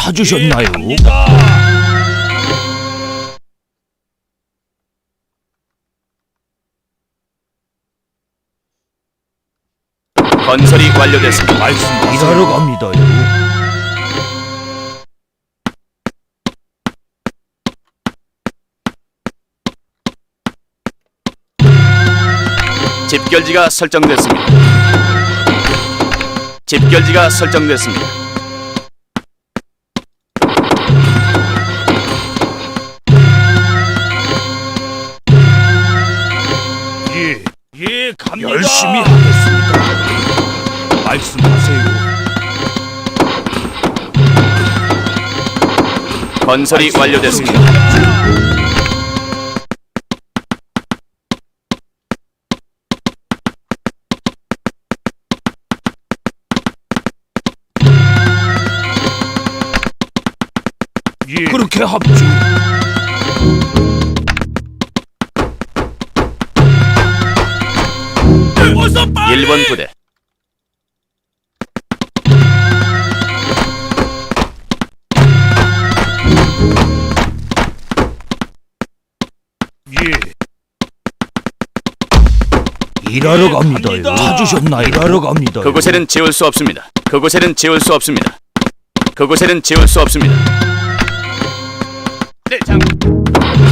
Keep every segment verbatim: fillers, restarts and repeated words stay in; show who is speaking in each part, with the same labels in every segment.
Speaker 1: 찾으셨나요?
Speaker 2: 건설이 완료됐습니다.
Speaker 1: 말씀하세요. 일하러 갑니다요.
Speaker 2: 집결지가 설정됐습니다. 집결지가 설정됐습니다.
Speaker 1: 예, 예, 갑니다. 열심히 하겠습니다. 말씀하세요.
Speaker 2: 건설이 완료됐습니다.
Speaker 1: 예. 그렇게 합주.
Speaker 2: 일 번 부대
Speaker 1: 예. 일하러 갑니다요. 찾으셨나요? 일하러 갑니다.
Speaker 2: 그곳에는 지울 수 없습니다. 그곳에는 지울 수 없습니다. 그곳에는 지울 수 없습니다. 네, 장군.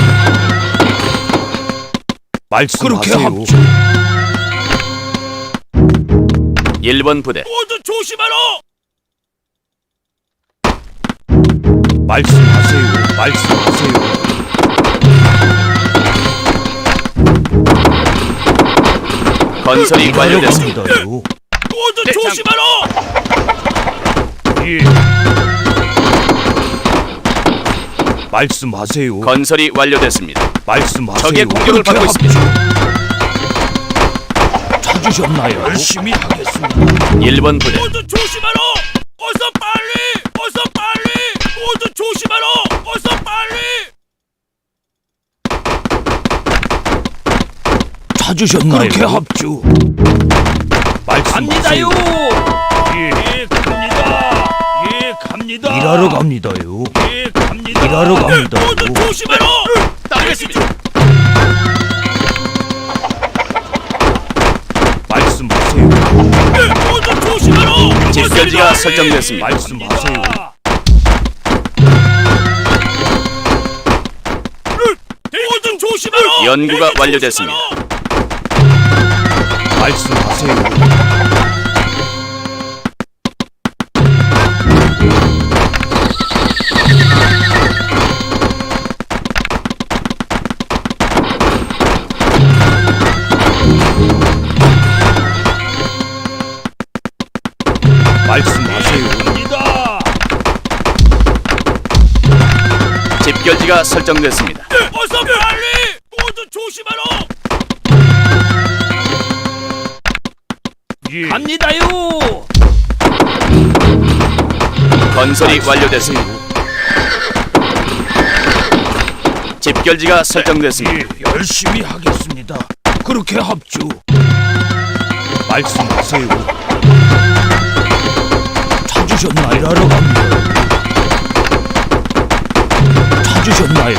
Speaker 1: 말씀하세요. 그렇게 합주.
Speaker 2: 일 번 부대
Speaker 1: 모두 조심하라. 말씀하세요. 말씀하세요.
Speaker 2: 건설이 완료됐습니다.
Speaker 1: 모두
Speaker 2: 네,
Speaker 1: 조심하라. 예. 말씀하세요.
Speaker 2: 건설이 완료됐습니다.
Speaker 1: 말씀하세요.
Speaker 2: 적의 공격을
Speaker 1: 그렇게
Speaker 2: 받고 있습니다.
Speaker 1: 찾으셨나요? 열심히 하겠습니다.
Speaker 2: 일 번 부대
Speaker 1: 모두 조심하라. 어서 빨리. 어서 빨리. 모두 조심하라. 어서 빨리. 찾으셨나요? 그렇게 합주. 말씀하세요. 예, 갑니다. 예, 갑니다. 일하러 갑니다요. 예, 갑니다. 일하러 갑니다. 모두 조심하라.
Speaker 2: 따르겠습니다.
Speaker 1: 말씀하세요. 모두 조심하라.
Speaker 2: 집결지가 설정됐습니다.
Speaker 1: 말씀하세요. 모두 조심하라.
Speaker 2: 연구가 완료됐습니다.
Speaker 1: 말씀하세요. 말씀하세요.
Speaker 2: 집결지가 설정됐습니다.
Speaker 1: 어서 빨리. 모두 조심하라. 예. 갑니다요.
Speaker 2: 건설이 완료됐습니다. 집결지가 설정됐습니다.
Speaker 1: 예, 열심히 하겠습니다. 그렇게 합주. 말씀하세요. 찾으셨나요? 일하러 갑니다. 찾으셨나요?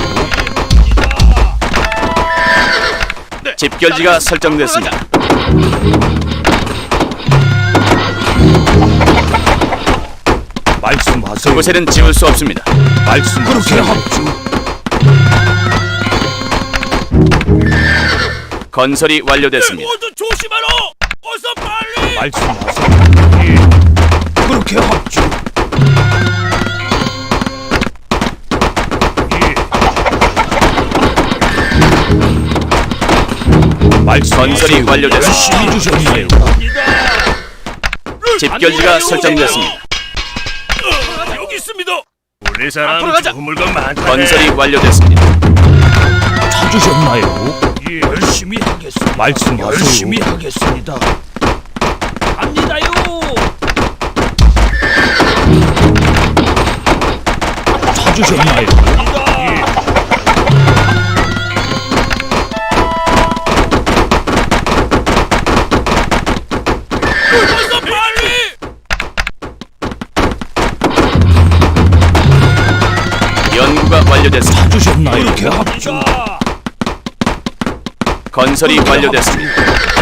Speaker 2: 집결지가 설정됐습니다.
Speaker 1: 말씀하세요.
Speaker 2: 그곳에는 지울 수 없습니다.
Speaker 1: 말씀 그렇게 합주.
Speaker 2: 건설이 완료됐습니다.
Speaker 1: 모두 조심하라. 어서 빨리. 말씀하세요. 예. 그렇게 합주. 예. 말씀
Speaker 2: 건설이 완료됐습니다.
Speaker 1: 열심히 주셨나요?
Speaker 2: 집결지가 설정됐습니다.
Speaker 1: 여기 있습니다.
Speaker 3: 우리 사람
Speaker 2: 앞으로 가자.
Speaker 3: 좋은 물건 많다.
Speaker 2: 건설이 완료됐습니다.
Speaker 1: 찾으셨나요? 예, 열심히 하겠습니다. 말씀하세요. 열심히 하겠습니다. 갑니다요. 찾으셨나요? 예. 어서 빨리.
Speaker 2: 연구가 완료됐습니다.
Speaker 1: 찾으셨나요? 이렇게 합주.
Speaker 2: 건설이 완료됐습니다.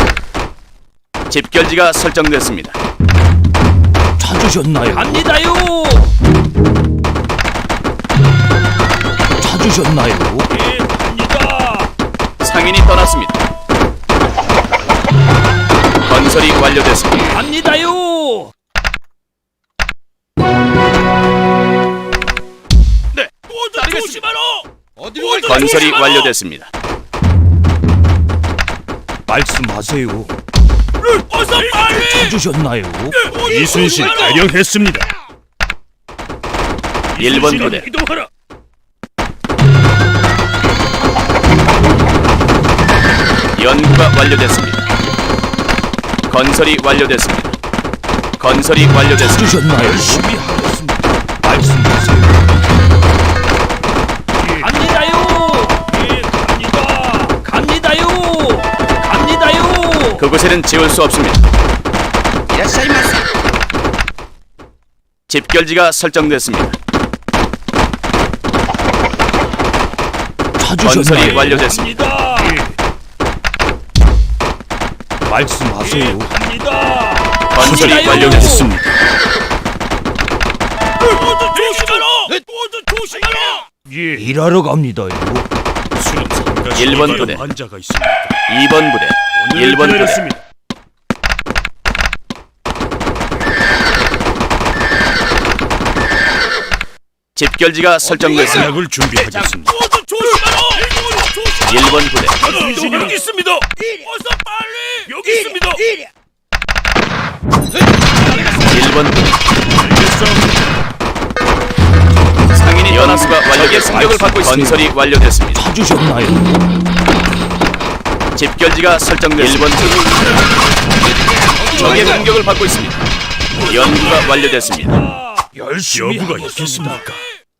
Speaker 2: 집결지가 설정됐습니다.
Speaker 1: 찾으셨나요?
Speaker 3: 갑니다요.
Speaker 1: 찾으셨나요?
Speaker 3: 예, 갑니다.
Speaker 2: 상인이 떠났습니다. 건설이 완료됐습니다.
Speaker 3: 갑니다요.
Speaker 2: 네,
Speaker 3: 모두 조심하라. 어디로
Speaker 2: 건설이 완료됐습니다.
Speaker 1: 말씀하세요.
Speaker 3: 어서 빨리.
Speaker 1: 찾으셨나요?
Speaker 3: 이순신
Speaker 1: 대령했습니다.
Speaker 2: 일 번 부대,
Speaker 3: 이동하라.
Speaker 2: 연구가 완료됐습니다. 건설이 완료됐습니다. 건설이 완료됐습니다.
Speaker 1: 찾으셨나요? 열심히 하겠습니다. 말씀하세요.
Speaker 3: 갑니다요. 예, 갑니다. 갑니다요. 갑니다요.
Speaker 2: 그곳에는 지울 수 없습니다. 집결지가 설정됐습니다. 건설이
Speaker 1: 찾으셨나요?
Speaker 2: 완료됐습니다.
Speaker 3: 갑니다.
Speaker 1: 말씀하세요.
Speaker 3: 갑니다.
Speaker 2: 건설이
Speaker 3: 갑니다요.
Speaker 2: 완료됐습니다.
Speaker 3: 모두 조심하라. 모두 조심하라.
Speaker 1: 예. 일하러 갑니다요.
Speaker 2: 일 번 부대,
Speaker 1: 환자가 있습니다.
Speaker 2: 이 번 부대, 일 번 부대, 집결지가 설정됐습니다.
Speaker 1: 약을 준비하겠습니다.
Speaker 3: 모두 조심하라. 모두 조심하라.
Speaker 2: 일 번 부대,
Speaker 3: 여기, 여기 있습니다. 어서 빨리. 여기 있습니다.
Speaker 2: 일 번 부대. 상인이 연수가 완료된 공격을 받고 있습니다. 건설이 완료됐습니다.
Speaker 1: 찾으셨나요?
Speaker 2: 집결지가 설정됐습니다. 일 번 부대. 적의 공격을 받고 있습니다. 연구가 완료됐습니다.
Speaker 1: 열심히
Speaker 3: 여부가
Speaker 1: 하겠습니까?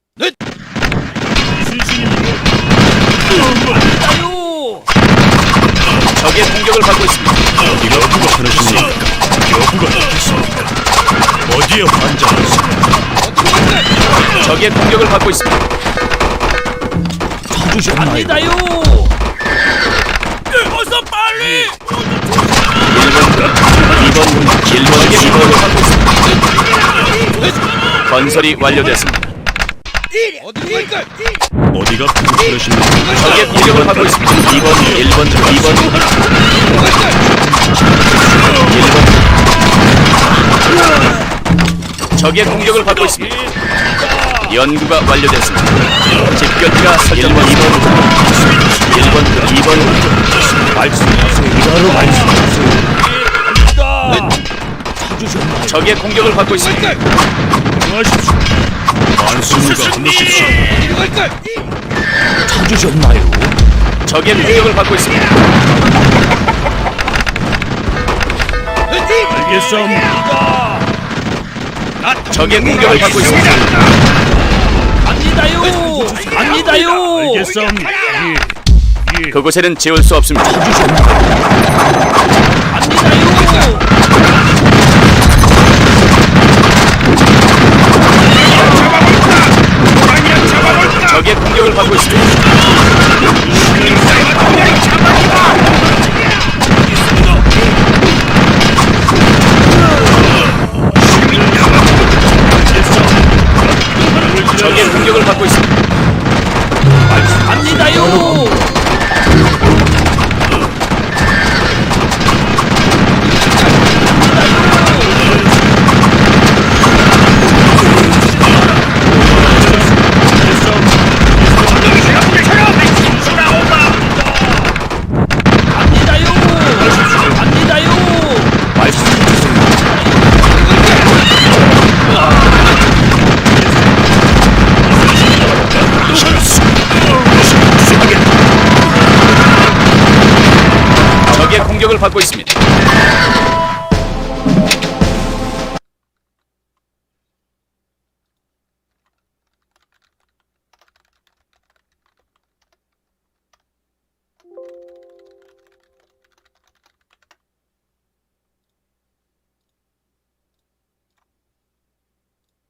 Speaker 3: 갑니다요.
Speaker 2: 적의 공격을 받고 있습니다.
Speaker 1: 여부가 그러십니까? 여부가 있겠습니까? 어디에 환자가 있습니까?
Speaker 2: 적의 공격을 받고 있습니다.
Speaker 1: 찾으셨나요?
Speaker 3: 갑니다요. 어서 빨리.
Speaker 2: 일 번 부대, 이 번 부대, 일 번의 공격을 받고 있습니다. 건설이 완료됐습니다.
Speaker 1: 어디가 그러십니까?
Speaker 2: 적의 공격을 받고 있습니다. 이 번, 일 번, 이 번, 일 번. 적의 공격을 받고 있습니다. 연구가 완료됐습니다. 집결지가 일 번, 이 번, 일 번, 이 번.
Speaker 1: 말씀하세요. 일하러 말씀하세요. 찾으셨나요?
Speaker 2: 적의 공격을 받고 있습니다.
Speaker 1: 하십시오. 만수무가 끊으십시오. 찾으셨나요?
Speaker 2: 적의 공격을 받고 있습니다.
Speaker 1: 알겠습니다.
Speaker 2: 적의 공격을 받고 있습니다.
Speaker 3: 갑니다요. 갑니다요.
Speaker 1: 알겠습니다. 예.
Speaker 2: 그곳에는 지울 수 없습니다.
Speaker 3: 갑니다요.
Speaker 2: 적의 공격을 받고 있습니다. 적의 공격을 받고 있습니다.
Speaker 3: 갑니다요.
Speaker 2: 적의 공격을 받고 있습니다.